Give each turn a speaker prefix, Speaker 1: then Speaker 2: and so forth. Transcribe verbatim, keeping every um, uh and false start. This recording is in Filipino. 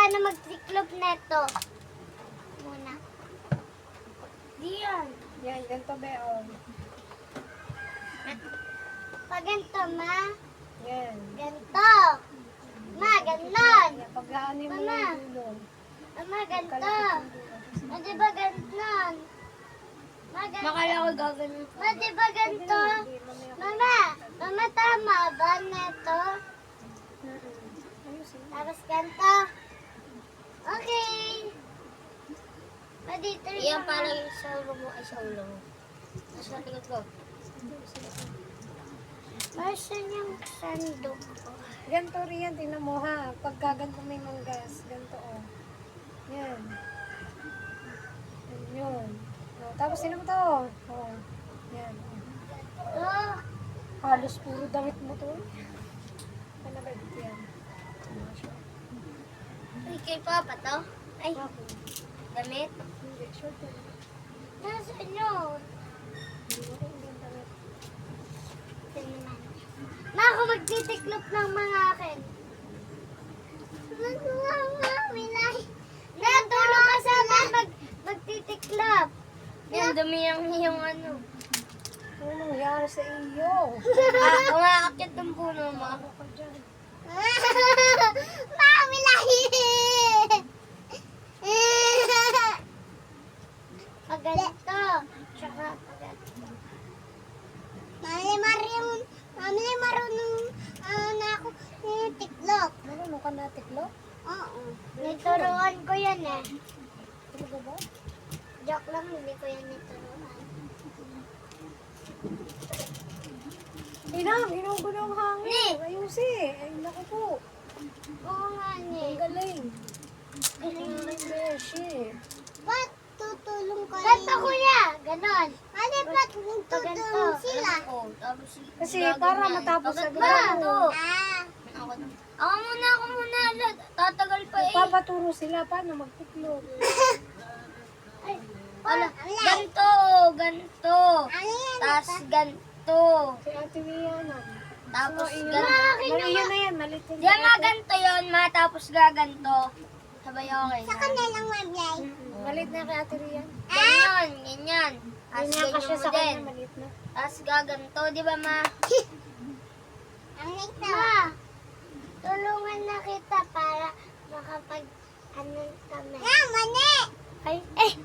Speaker 1: paano magtiklop neto. Muna. Diyan.
Speaker 2: Yan, ganito be, oh.
Speaker 1: Pag ganito, ma.
Speaker 2: Yan.
Speaker 1: Ganito. Ma, ganon.
Speaker 2: Yan, pag-aanin mo
Speaker 1: Mama.
Speaker 2: yung dulo.
Speaker 1: Ma, ganito.
Speaker 2: Kalapit yung dulo.
Speaker 1: Ma, di ba ganon? Ma, ganito.
Speaker 3: Makala ko gagawin.
Speaker 1: Ma, di ba ganito?
Speaker 2: Hindi, mamaya ko-
Speaker 1: Mama, mama, tama ba neto?
Speaker 2: Mm-mm. Ayusin.
Speaker 1: Tapos ganito. Okay. Ma, dito rin
Speaker 3: Iyan
Speaker 1: naman.
Speaker 3: pala yung sa ulo mo ay sa ulo mo. Nasa likod ko.
Speaker 1: Masan yung sandok ko?
Speaker 2: Ganito rin yan, tingnan mo ha. Pag gaganto may manggas, ganito oh. Yan. Yan yun. Oh, tapos sino mo to? Oh. Yan.
Speaker 1: Oh,
Speaker 2: Halos puro damit mo to. Ano ba yan?
Speaker 3: Ay, kay Papa to? Ay,
Speaker 2: Okay.
Speaker 3: damit?
Speaker 2: Hindi, short yan.
Speaker 1: nasaan yun?
Speaker 2: Hindi mo rin yung damit.
Speaker 1: Tingnan. Ma, ako magtitiklop ng mga akin. Natulong ka sa amin mag, magtitiklop.
Speaker 3: Yan, dumi yung, yung ano.
Speaker 2: Ano nangyari sa iyo?
Speaker 3: Ah, umakakit ng puno mo.
Speaker 2: Ano ka dyan?
Speaker 1: Mami lahi! Pag ganito. Tsaka pag ganito. Mami marunong, mami marunong uh, na ako yung tiklop.
Speaker 2: Marunong ka na tiklo?
Speaker 1: Oo. Nituruan ko yan eh.
Speaker 2: Talaga ba?
Speaker 1: Joke lang, hindi ko yan nituruan.
Speaker 2: Inang, inom ko ng hangin. Ayusin. Ay, naku po.
Speaker 1: Oo nga
Speaker 2: Ang
Speaker 1: ni.
Speaker 2: galing. Galing ng beshi.
Speaker 1: Ba't tutulong ka? Ganto kuya, ganon. Ano ba't tutulong sila?
Speaker 3: Oh, tapos
Speaker 2: Kasi
Speaker 3: gagawin
Speaker 2: para
Speaker 3: niya.
Speaker 2: matapos
Speaker 3: Pagkat
Speaker 2: agad
Speaker 3: ba?
Speaker 2: ako.
Speaker 3: Ito.
Speaker 1: Ah.
Speaker 3: Ako, ako muna, ako muna. Lad. Tatagal pa eh.
Speaker 2: Papaturo sila paano magtiklop.
Speaker 1: Ay,
Speaker 3: Ala,
Speaker 1: wala.
Speaker 3: ganito, ganito.
Speaker 1: Ano yan?
Speaker 3: Tapos ganito.
Speaker 2: Si Ate Rihanna.
Speaker 3: Tapos
Speaker 2: So, iyon.
Speaker 3: ganito.
Speaker 2: Mali yun na yan. Mali yun.
Speaker 3: Diyan nga ganito yun, ma. Tapos gaganto. Sabay okay
Speaker 1: Sa
Speaker 3: na.
Speaker 1: kanilang mablay.
Speaker 2: Malit na kay Ate Rihanna.
Speaker 3: Ganyan, ganyan. Tapos
Speaker 2: Ganyan ka siya
Speaker 3: ganyan mo
Speaker 2: sa
Speaker 3: din.
Speaker 2: kanya. Malit na.
Speaker 3: Tapos gaganto, di ba ma?
Speaker 1: Ang ito. Ma, tulungan na kita para makapag ano kami. Ah, mani!
Speaker 3: Ay, eh,